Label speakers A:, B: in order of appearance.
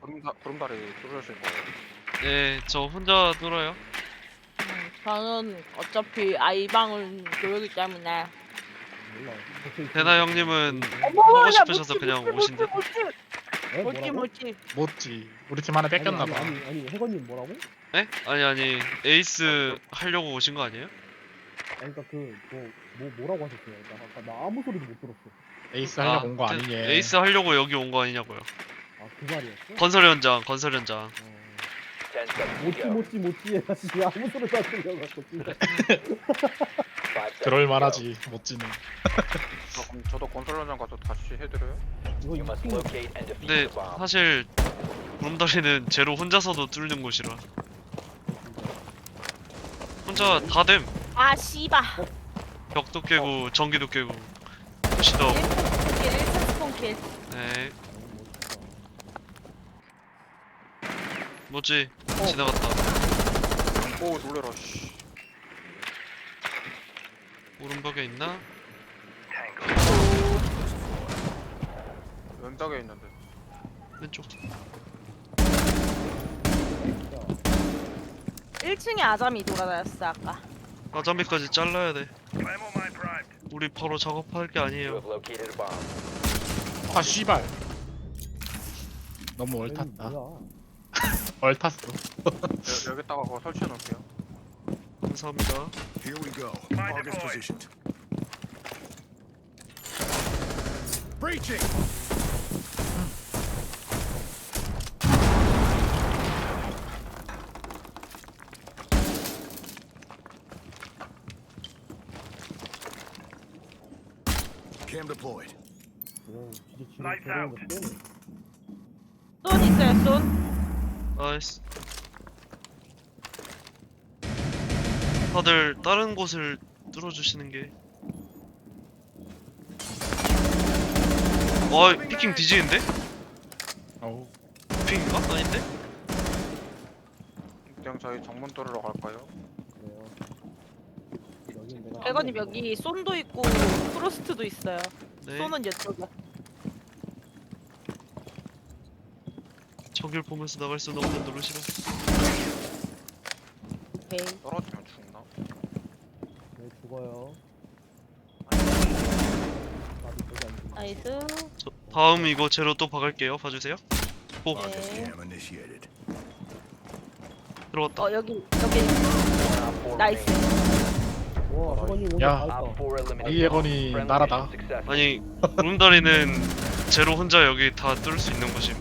A: 구름다리 뚫으실 거예요?
B: 네, 저 혼자 뚫어요.
C: 저는 어차피 아이방을 교육이기 때문에.
D: 몰라.
B: 대나 형님은
C: 어머,
B: 하고
C: 야,
B: 싶으셔서
C: 못지,
B: 그냥
C: 못지,
B: 오신대.
D: 에?
C: 못지,
D: 뭐라고?
C: 못지.
E: 못지. 우리 팀 하나 뺏겼나 봐.
D: 아니 해건님 뭐라고?
B: 에? 아니 에이스 하려고 오신 거 아니에요?
D: 아니 그러니까 뭐라고 하셨어요? 나 아무 소리도 못 들었어.
E: 에이스 하려고 온 거
B: 그
E: 아니냐.
B: 에이스 하려고 여기 온 거 아니냐고요.
D: 아 그 말이었어?
B: 건설 현장, 건설 현장.
D: 못지 해야지 아무 소리도 안 들려갖고 진짜.
E: 그럴 만하지. 못지는.
A: 그럼 저도 건설 현장 가서 다시 해드려요?
D: 이거
F: You must
D: 2층
F: locate and defeat
B: 근데
F: the bomb.
B: 사실 구름다리는 제로 혼자서도 뚫는 곳이라. 혼자 다 됨.
C: 아, 씨바.
B: 벽도 깨고 전기도 깨고 푸시도.
C: 1차 스폰킬.
B: 네, 뭐지? 지나갔다.
A: 오 놀래라 씨.
B: 오른벽에 있나?
A: 왼벽에 있는데.
B: 왼쪽.
C: 1층에 아잠이 돌아다녔어 아까.
B: 아자미까지 잘라야 돼. 우리 바로 작업할 게
F: You
B: 아니에요.
F: have located a bomb.
E: 아 씨발. 너무
D: 아니,
E: 얼탔다.
D: 뭐야?
E: 얼탔어.
A: 여기다가 그거 설치해 놓을게요.
B: 감사합니다.
G: Here we go. Target's positioned. Breaching! Cam deployed.
D: 진짜 지금 저러는 거 때문에.
C: 쏜 있어요 쏜.
B: 나이스. 다들 다른 곳을 뚫어주시는 게. 와, 피킹 뒤지는데?
E: 어우.
B: 피킹인가? 아닌데?
A: 그냥 저희 정문 뚫으러 갈까요?
D: 그래요. 여긴 내가
C: 백원님 여기 쏜도 있고 프로스트도 있어요.
B: 네.
C: 쏜은 이쪽에.
B: 저길 보면서 나갈 수는 없는 노릇이라.
C: 오케이.
A: 떨어지면 죽나?
D: 네, 죽어요.
C: 나이스.
B: 저, 다음 이거 제로 또 박을게요. 봐주세요. 오,
G: Target
C: 네.
G: cam initiated.
B: 들어갔다.
C: 여기
F: One op 4
C: 나이스.
F: remaining.
D: 와 해건님 오늘
E: 야.
D: 다
F: Op
D: 했다.
F: 4 eliminated.
E: 이 예건이
F: Friendly
E: 나라다.
F: mission successful.
B: 아니, 구름다리는 제로 혼자 여기 다 뚫을 수 있는 곳임.